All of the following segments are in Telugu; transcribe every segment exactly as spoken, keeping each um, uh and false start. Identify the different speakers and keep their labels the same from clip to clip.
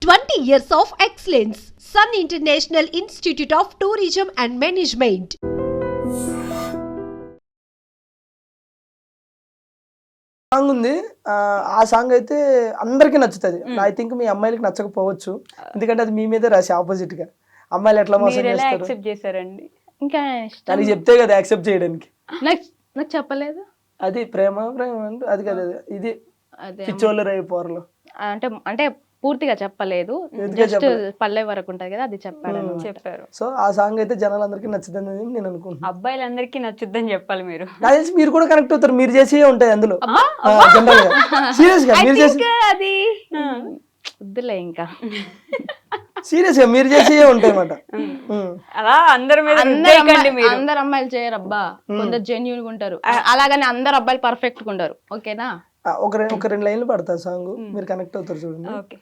Speaker 1: twenty years of excellence. Sun International Institute of Tourism and Management.
Speaker 2: Song ఉంది. ఆ సాంగ్ అయితే అందరికీ నచ్చుతుంది. ఐ థింక్ మీ అమ్మాయిలకి నచ్చకపోవచ్చు, ఎందుకంటే అది మీ మీదే రాసి ఆపోజిట్ గా అమ్మాయిలు ఎట్లా మోసం చేస్తారు
Speaker 3: చేశారండి.
Speaker 4: ఇంకా
Speaker 2: దానికి చెప్తే కదా యాక్సెప్ట్ చేయడానికి.
Speaker 4: నాకు నాకు చెప్పలేదు.
Speaker 2: అది ప్రేమ ప్రేమ అంటే అది కదా, ఇది పిచ్చోళ్ళు రేపు పోరలు
Speaker 4: అంటే అంటే పూర్తిగా చెప్పలేదు, జస్ట్ పల్లె వరకు ఉంటది కదా అది చెప్పాడు
Speaker 3: చెప్పారు.
Speaker 2: సో ఆ సాంగ్ అయితే జనాలందరికీ నచ్చుతుంది నేను అనుకుంటున్నాను.
Speaker 3: అబ్బాయిలందరికీ నచ్చుద్దని చెప్పాలి మీరు.
Speaker 2: నాకు తెలిసి మీరు కూడా కనెక్ట్ అవుతారు, మీరు చేసే ఉంటాయి అందులో జనరల్ గా. సీరియస్ గా మీరు చేసి
Speaker 4: అది వద్దులే ఇంకా
Speaker 2: సీరియస్ గా మీరు చేసే ఉంటాయి అన్నమాట.
Speaker 3: అలా అందరి మీద
Speaker 4: అందరు అమ్మాయిలు చేయరు అబ్బా, కొందరు జెన్యూన్ గా ఉంటారు, అలాగని అందరు అబ్బాయిలు పర్ఫెక్ట్ గా ఉంటారు. ఓకేనా,
Speaker 2: ఒక ఒక రెండు లైన్లు పడతా సాంగ్, మీరు కనెక్ట్ అవుతారు చూడండి.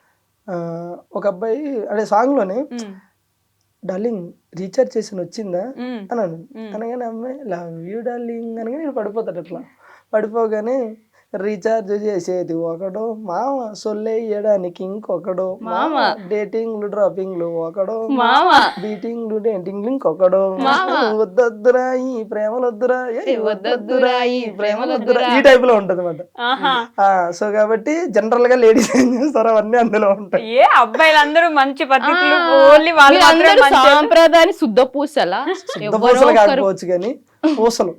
Speaker 2: ఒక అబ్బాయి అదే సాంగ్ లోనే డార్లింగ్ రీఛార్జ్ చేసి వచ్చిందా అన్నాను, అనగానే అమ్మాయి లవ్ యూ డార్లింగ్ అనగా నేను పడిపోతాడు. అట్లా పడిపోగానే రీఛార్జ్ చేసేది ఒకడో మామ, సొల్లేయడానికి ఇంకొకడో మామ, డేటింగ్లు డ్రాపింగ్లు ఒకడో మామ, బీటింగ్లు డేటింగ్లు ఇంకొకడో, వద్దొద్దురా ఈ ప్రేమలొద్దురా వద్దొద్దురా ఈ ప్రేమలొద్దురా, ఈ టైప్ లో ఉంటది అన్నమాట. సో కాబట్టి జనరల్ గా లేడీస్ ఏం చేస్తారు అవన్నీ అందులో ఉంటాయి.
Speaker 3: ఏ అబ్బాయిలందరూ మంచి పద్ధతులు, ఓన్లీ వాళ్ళు
Speaker 4: సాంప్రదాయాన్ని శుద్ధ పూసలా,
Speaker 2: శుద్ధ పూసలు కాకపోవచ్చు కానీ పూసలు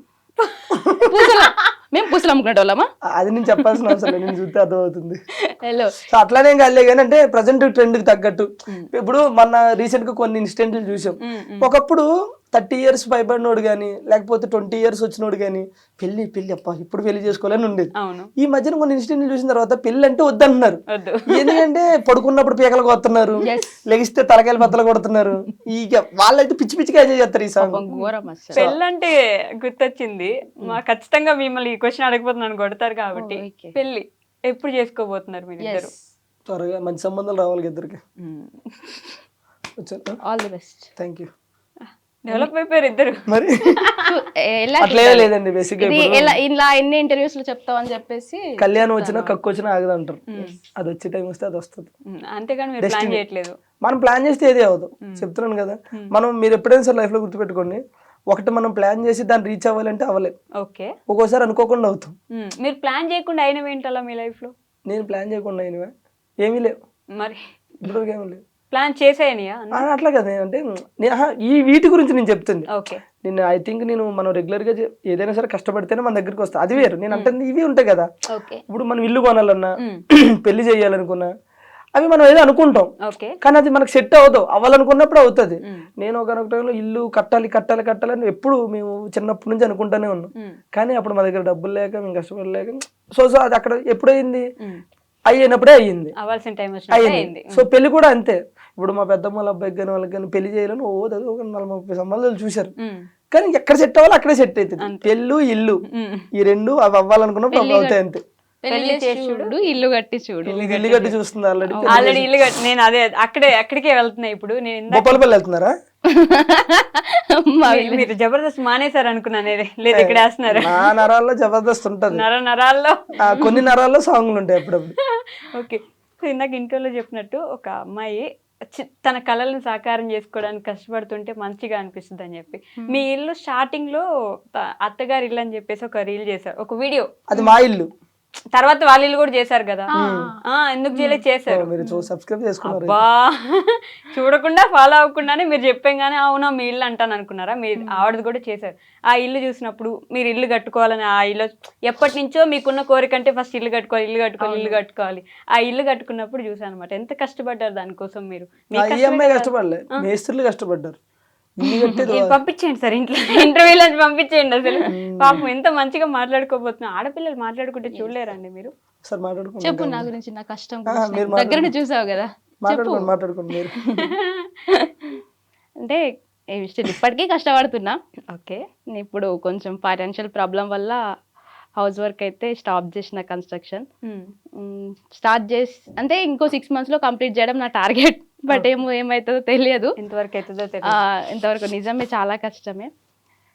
Speaker 4: పూసలా మేము పూసలు అమ్ముకునే వాళ్ళమా,
Speaker 2: అది నేను చెప్పాల్సిన అవసరం లేదు, నేను చూస్తే అర్థమవుతుంది. సో అట్లానే కాలే కానీ అంటే ప్రజెంట్ ట్రెండ్ కి తగ్గట్టు ఇప్పుడు మన రీసెంట్ గా కొన్ని ఇన్సిడెంట్లు చూసాం. ఒకప్పుడు థర్టీ ఇయర్స్ పైబడినోడు గానీ లేకపోతే ట్వంటీ ఇయర్స్ వచ్చినోడు గానీ పెళ్లి పెళ్లి అప్ప ఇప్పుడు పెళ్లి చేసుకోవాలని ఉండేది. ఈ మధ్యన కొన్ని ఇన్సిడెంట్లు చూసిన తర్వాత పెళ్లి అంటే వద్దంటున్నారు. ఎందుకంటే పడుకున్నప్పుడు పీకలు కొడుతున్నారు, లెగిస్తే తలకాయలు బద్దలు కొడుతున్నారు. ఇక వాళ్ళైతే పిచ్చి పిచ్చిగా ఎంజాయ్ చేస్తారు ఈ సాంగ్.
Speaker 3: పెళ్ళి అంటే గుర్తొచ్చింది, మా ఖచ్చితంగా మిమ్మల్ని ఈ క్వశ్చన్ అడగబోతున్నాను, కొడతారు కాబట్టి. పెళ్లి ఎప్పుడు చేసుకోబోతున్నారు మీరు ఇద్దరు?
Speaker 2: త్వరగా మంచి సంబంధాలు రావాలి ఇద్దరికి.
Speaker 4: All the best.
Speaker 2: Thank you.
Speaker 3: Develop అయిపోయారు ఇద్దరు.
Speaker 2: మరి అట్లే లేదండి, బేసిక్
Speaker 4: ఇలా ఎన్ని ఇంటర్వ్యూస్ లో చెప్తావు అని చెప్పేసి
Speaker 2: కళ్యాణం వచ్చినా కక్కు వచ్చినా ఆగదంటారు. అది వచ్చే టైం వస్తే అది వస్తుంది,
Speaker 3: అంతేగాని మీరు ప్లాన్ చేయట్లేదు.
Speaker 2: మనం ప్లాన్ చేస్తే ఏది అవ్వదు, చెప్తున్నాను కదా. మనం మీరు ఎప్పుడైనా సార్ లైఫ్ లో గుర్తుపెట్టుకోండి, ఒకటి మనం ప్లాన్ చేసి దాన్ని రీచ్ అవ్వాలంటే అవ్వలేదు.
Speaker 3: ఓకే,
Speaker 2: ఒక్కోసారి అనుకోకుండా అవుతాం.
Speaker 3: మీరు ప్లాన్ చేయకుండా అయినవి ఏంటలా మీ లైఫ్ లో?
Speaker 2: నేను ప్లాన్ చేయకుండా అయినవా ఏమీ లేవు,
Speaker 3: మరి
Speaker 2: ఇప్పుడు ఏమీ లేవు.
Speaker 3: ప్లాన్ చేసేయనియా?
Speaker 2: అట్లా కదా, అంటే ఈ వీటి గురించి నేను చెప్తుంది.
Speaker 3: ఓకే,
Speaker 2: నేను ఐ థింక్ నేను మనం రెగ్యులర్ గా ఏదైనా సరే కష్టపడితేనే మన దగ్గరికి వస్తా, అది వేరు. నేను అంటే ఇవి ఉంటాయి కదా, ఇప్పుడు మనం ఇల్లు కొనాలన్నా పెళ్లి చేయాలనుకున్నా అవి మనం ఏదో అనుకుంటాం, కానీ అది మనకు సెట్ అవ్వదు. అవ్వాలనుకున్నప్పుడు అవుతుంది. నేను ఒకనొక టైంలో ఇల్లు కట్టాలి కట్టాలి కట్టాలని ఎప్పుడు మేము చిన్నప్పటి నుంచి అనుకుంటానే ఉన్నాం, కానీ అప్పుడు మా దగ్గర డబ్బులు లేక మేము కష్టపడలేక సో సో అది అక్కడ ఎప్పుడైంది అయ్యినప్పుడే అయ్యింది, అయ్యింది. సో పెళ్లి కూడా అంతే. ఇప్పుడు మా పెద్దమ్మ వాళ్ళ అబ్బాయికి కానీ వాళ్ళకి కానీ పెళ్లి చేయాలని ఓ ఒక నలభై ముప్పై సంబంధాలు చూశారు, కానీ ఎక్కడ సెట్ అవ్వాలి అక్కడే సెట్ అవుతుంది. పెళ్ళు ఇల్లు ఈ రెండు అవి అవ్వాలనుకున్నప్పుడు అవి అవుతాయి అంతే.
Speaker 4: చూడు ఇల్లు కట్టి చూడు,
Speaker 2: ఇల్లు కట్టి చూస్తుంది ఆల్రెడీ
Speaker 3: ఆల్రెడీ ఇల్లు కట్టి. నేను అదే అక్కడే అక్కడికే వెళ్తున్నా ఇప్పుడు. నేను
Speaker 2: బొప్పలపల్లి వెళ్తున్నారా?
Speaker 3: మీరు జబర్దస్త్ మానేశారు అనుకున్నాను, లేదు ఇక్కడ వేస్తున్నారు.
Speaker 2: నా నరాల్లో జబర్దస్త్ ఉంటది,
Speaker 3: నర నరాల్లో
Speaker 2: కొన్ని నరాల్లో సాంగ్లు ఉంటాయి అప్పుడప్పుడు.
Speaker 3: ఓకే, సో ఇందాక ఇంటర్వ్యూలో చెప్పినట్టు ఒక అమ్మాయి తన కళలను సాకారం చేసుకోవడానికి కష్టపడుతుంటే మంచిగా అనిపిస్తుంది అని చెప్పి, మీ ఇల్లు స్టార్టింగ్ లో అత్తగారి ఇల్లు అని చెప్పేసి ఒక రీల్ చేశారు, ఒక వీడియో.
Speaker 2: అది మా ఇల్లు,
Speaker 3: తర్వాత వాళ్ళ ఇల్లు కూడా చేశారు కదా, ఎందుకు చేయలేదు? చేశారు. బా చూడకుండా ఫాలో అవ్వకుండానే మీరు చెప్పాగానే అవునా మీ ఇల్లు అంటాను అనుకున్నారా? మీరు ఆవిడది కూడా చేశారు. ఆ ఇల్లు చూసినప్పుడు మీరు ఇల్లు కట్టుకోవాలని, ఆ ఇల్లు ఎప్పటి నుంచో మీకున్న కోరిక అంటే ఫస్ట్ ఇల్లు కట్టుకోవాలి ఇల్లు కట్టుకోవాలి ఇల్లు కట్టుకోవాలి ఆ ఇల్లు కట్టుకున్నప్పుడు చూసాను అనమాట. ఎంత కష్టపడ్డారు దానికోసం మీరు?
Speaker 2: కష్టపడ్డారు.
Speaker 3: పంపించేయండి సార్ ఇంట్లో, ఇంటర్వ్యూలో పంపించేయండి. అసలు పాపం ఎంత మంచిగా మాట్లాడుకోబోతున్నా. ఆడపిల్లలు మాట్లాడుకుంటే చూడలేరండి మీరు?
Speaker 4: చెప్పు నా గురించి, నా కష్టం దగ్గర చూసావు కదా. అంటే ఇప్పటికీ కష్టపడుతున్నా. ఓకే, ఇప్పుడు కొంచెం ఫైనాన్షియల్ ప్రాబ్లం వల్ల హౌస్ వర్క్ అయితే స్టాప్ చేసిన, కన్స్ట్రక్షన్ స్టార్ట్ చేసి అంటే ఇంకో సిక్స్ మంత్స్ లో కంప్లీట్ చేయడం నా టార్గెట్. బట్ ఏమో ఏమవుతుందో తెలియదు,
Speaker 3: ఎంతవరకు అవుతుందో
Speaker 4: ఇంతవరకు నిజమే చాలా కష్టమే.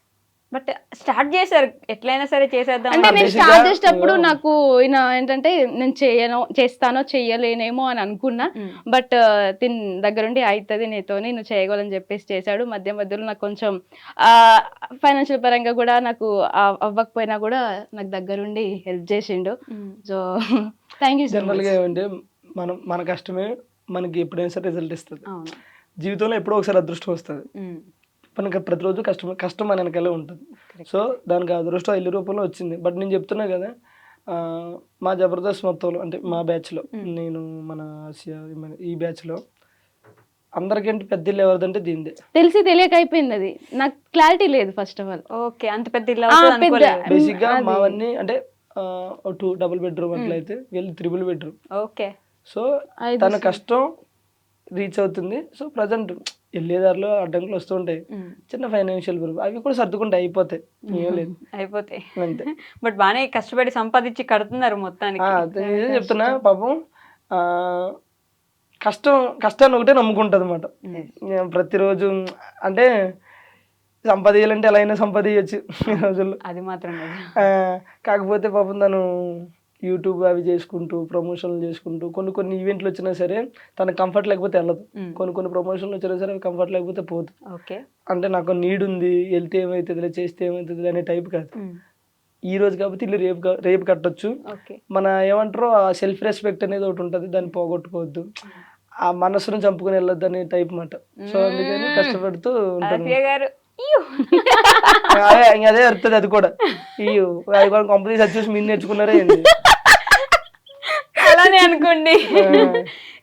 Speaker 3: బట్ స్టార్ట్ చేశారు ఎట్లయినా సరే చేసేద్దాం
Speaker 4: అంటే
Speaker 3: అని.
Speaker 4: నేను
Speaker 2: Basically,
Speaker 4: స్టార్ట్ చేసేటప్పుడు
Speaker 2: yeah.
Speaker 4: నాకు ఈయన ఏంటంటే నేను చేయను చేస్తానో చెయ్యలేనేమో అని అనుకున్నా,
Speaker 3: Mm.
Speaker 4: బట్ తిన్ దగ్గరుండి అవుతుంది నీతోని నువ్వు చేయగలని చెప్పేసి చేశాడు. మధ్య మధ్యలో నాకు కొంచెం ఫైనాన్షియల్ పరంగా కూడా నాకు ఆ- అవ్వకపోయినా కూడా నాకు దగ్గరుండి హెల్ప్ చేసిండు.
Speaker 3: Mm.
Speaker 4: So thank you so
Speaker 2: general
Speaker 4: much.
Speaker 2: గా ఏమంటే మనం మన కష్టమే మనకి ఎప్పుడైనా సరే రిజల్ట్ ఇస్తుంది.
Speaker 3: అవును.
Speaker 2: జీవితంలో ఎప్పుడో ఒకసారి అదృష్టం వస్తుంది.
Speaker 3: Mm.
Speaker 2: మనకి ప్రతిరోజు కష్టం కష్టం మన వెనకాలే ఉంటుంది. సో దానికి అదృష్టం ఇల్లు రూపంలో వచ్చింది. బట్ నేను చెప్తున్నా కదా, ఆ, మా జబర్దస్త్ మొత్తంలో అంటే మా బ్యాచ్లో నేను మన ఆసియా మన ఈ బ్యాచ్లో అందరికంటే పెద్ద ఇల్లు ఎవరిదంటే దీనిదే.
Speaker 4: తెలిసి తెలియక అయిపోయింది అది, నాకు క్లారిటీ లేదు ఫస్ట్ ఆఫ్ ఆల్.
Speaker 3: ఓకే, అంత పెద్ద ఇల్లు అవుతుంది
Speaker 4: పెద్ద-
Speaker 3: అనుకోలేదు.
Speaker 2: బేసిక్ గా
Speaker 4: అది-
Speaker 2: మావన్నీ అంటే టూ డబుల్ బెడ్రూమ్ అట్లయితే వీళ్ళు త్రిబుల్ బెడ్రూమ్.
Speaker 3: ఓకే.
Speaker 2: సో
Speaker 4: ఐదు
Speaker 2: తన కష్టం రీచ్ అవుతుంది. సో ప్రజెంట్ వెళ్ళేదారిలో అడ్డంకులు వస్తూ ఉంటాయి,
Speaker 3: Mm.
Speaker 2: చిన్న ఫైనాన్షియల్ ప్రాబ్లం, అవి కూడా సర్దుకుంటాయి, అయిపోతాయి, ఏం లేదు
Speaker 3: అయిపోతాయి.
Speaker 2: అంతే.
Speaker 3: బట్ బానే కష్టపడి సంపాదించి కడుతున్నారు మొత్తానికి.
Speaker 2: ఆ, అదే నిజం చెప్తున్నా పాపం. ఆ, కష్టం కష్టాన్ని ఒకటే నమ్ముకుంటుంది అనమాట ప్రతిరోజు. అంటే సంపాదించాలంటే ఎలా అయినా సంపాదించచ్చు ఈ రోజుల్లో.
Speaker 3: అది మాత్రం నిజం.
Speaker 2: ఆ, కాకపోతే పాపం తను యూట్యూబ్ అవి చేసుకుంటూ ప్రమోషన్లు చేసుకుంటూ కొన్ని కొన్ని ఈవెంట్లు వచ్చినా సరే తనకు కంఫర్ట్ లేకపోతే వెళ్ళదు.
Speaker 3: Mm.
Speaker 2: కొన్ని కొన్ని ప్రమోషన్లు వచ్చినా సరే అవి కంఫర్ట్ లేకపోతే పోదు.
Speaker 3: ఓకే.
Speaker 2: అంటే నాకు నీడ్ ఉంది, వెళ్తే ఏమవుతుంది చేస్తే ఏమవుతుంది అనే టైప్ కాదు.
Speaker 3: Mm.
Speaker 2: ఈ రోజు కాబట్టి ఇల్లు రేపు కా- రేపు కట్టొచ్చు.
Speaker 3: ఓకే.
Speaker 2: మన ఏమంటారో ఆ సెల్ఫ్ రెస్పెక్ట్ అనేది ఒకటి ఉంటుంది, దాన్ని పోగొట్టుకోవద్దు, ఆ మనసును చంపుకొని వెళ్ళొద్దు అనే టైప్ మాట. సో అందుకని కష్టపడుతూ ఉంటాను.
Speaker 3: ఆసియా గారు ఇయ్యో.
Speaker 2: అదే ఇంక అదే వస్తుంది అది కూడా. ఈ అది కూడా కంపెనీ చూసి మీరు నేర్చుకున్నారే ఏంది.
Speaker 3: అలానే అనుకోండి.